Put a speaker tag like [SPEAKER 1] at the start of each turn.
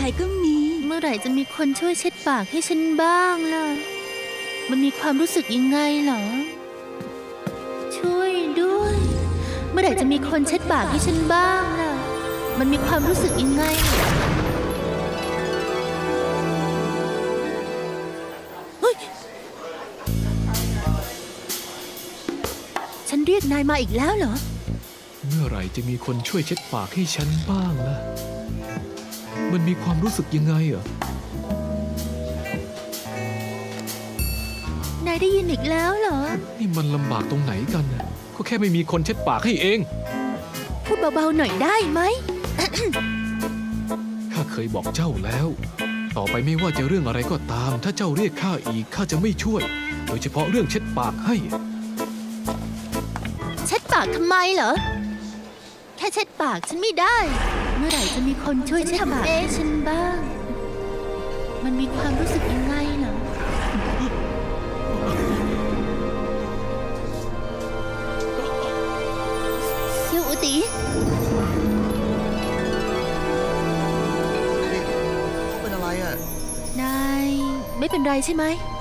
[SPEAKER 1] ก็มี
[SPEAKER 2] เมื่อไหร่จะมีคนช่วยเช็ดปากให้ฉันบ้างล่ะ มันมีความรู้สึกยังไงเหรอ ช่วยด้วย เมื่อไหร่จะมีคนเช็ดปากให้ฉันบ้างล่ะ มันมีความรู้สึกยังไงเฮ้ยฉันเรียกนายมาอีกแล้วเหรอ
[SPEAKER 3] เมื่อไหร่จะมีคนช่วยเช็ดปากให้ฉันบ้างล่ะ มันมีความรู้สึกยังไงเหรอ
[SPEAKER 2] นายได้ยินอีกแล้วเหรอ
[SPEAKER 3] นี่มันลำบากตรงไหนกันน่ะก็แค่ไม่มีคนเช็ดปากให้เอง
[SPEAKER 2] พูดเบาๆหน่อยได้ไหม
[SPEAKER 3] ข้าเคยบอกเจ้าแล้ว ต่อไปไม่ว่าจะเรื่องอะไรก็ตาม ถ้าเจ้าเรียกข้าอีกข้าจะไม่ช่วย โดยเฉพาะเรื่องเช็ดปากให้
[SPEAKER 2] เช็ดปากทำไมเหรอ แค่เช็ดปากฉันไม่ได้ เมื่อไหร่จะมีคนช่วยเช็ดปากให้ฉันบ้าง มันมีความรู้สึกยังไงเหรอ เซียวอุติ
[SPEAKER 4] เป็นอะไรอ่ะ
[SPEAKER 2] นายไม่เป็นไรใช่ไหม